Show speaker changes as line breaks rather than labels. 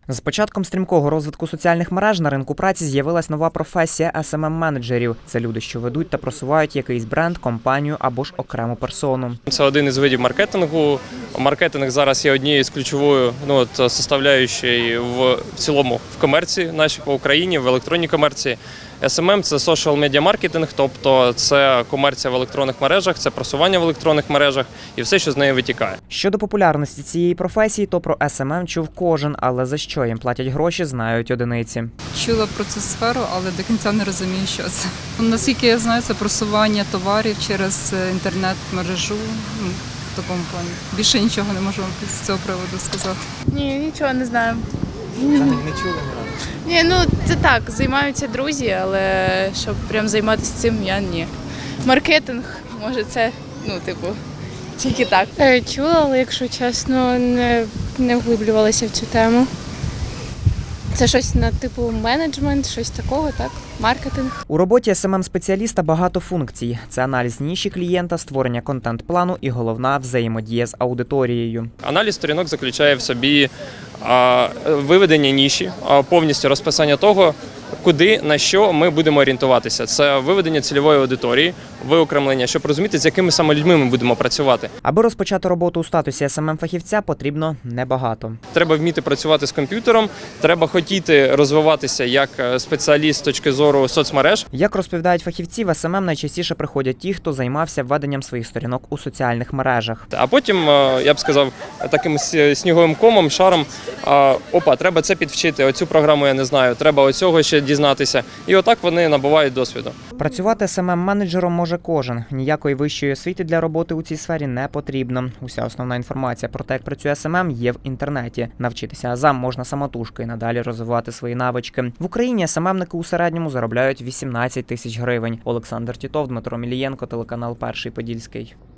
З початком стрімкого розвитку соціальних мереж на ринку праці з'явилась нова професія SMM-менеджерів. Це люди, що ведуть та просувають якийсь бренд, компанію або ж окрему персону.
Це один із видів маркетингу. Маркетинг зараз є однією з ключовою составляючою в цілому в комерції нашій по Україні, в електронній комерції. SMM – це social media маркетинг, тобто це комерція в електронних мережах, це просування в електронних мережах і все, що з неї витікає.
Щодо популярності цієї професії, то про SMM чув кожен, але за що їм платять гроші, знають одиниці.
Чула про цю сферу, але до кінця не розумію, що це. Наскільки я знаю, це просування товарів через інтернет-мережу. В такому плані. Більше нічого не можу з цього приводу сказати.
Ні, нічого не знаю.
Взагалі не чули ні разу?
Ні, ну це так, займаються друзі, але щоб прям займатися цим, я ні. Маркетинг, може це, тільки так.
Чула, але якщо чесно, не вглиблювалася в цю тему. Це щось на типу менеджмент, щось такого, так? Маркетинг.
У роботі SMM-спеціаліста багато функцій. Це аналіз ніші клієнта, створення контент-плану і головна – взаємодія з аудиторією.
Аналіз сторінок заключає в собі виведення ніші, повністю розписання того, куди, на що ми будемо орієнтуватися. Це виведення цільової аудиторії, виокремлення, щоб розуміти, з якими саме людьми ми будемо працювати.
Аби розпочати роботу у статусі SMM-фахівця, потрібно небагато.
Треба вміти працювати з комп'ютером, треба хотіти розвиватися як спеціаліст з точки зору соцмереж.
Як розповідають фахівці, в SMM найчастіше приходять ті, хто займався веденням своїх сторінок у соціальних мережах.
А потім, я б сказав, таким сніговим комом, шаром, треба це підвчити, оцю програму я не знаю, треба оцього ще дізнатися. І отак вони набувають досвіду.
Працювати SMM-менеджером може кожен. Ніякої вищої освіти для роботи у цій сфері не потрібно. Уся основна інформація про те, як працює SMM, є в інтернеті. Навчитися азам можна самотужки і надалі розвивати свої навички. В Україні SMM-ники у середньому заробляють 18 тисяч гривень. Олександр Тітов, Дмитро Мілієнко, телеканал Перший Подільський.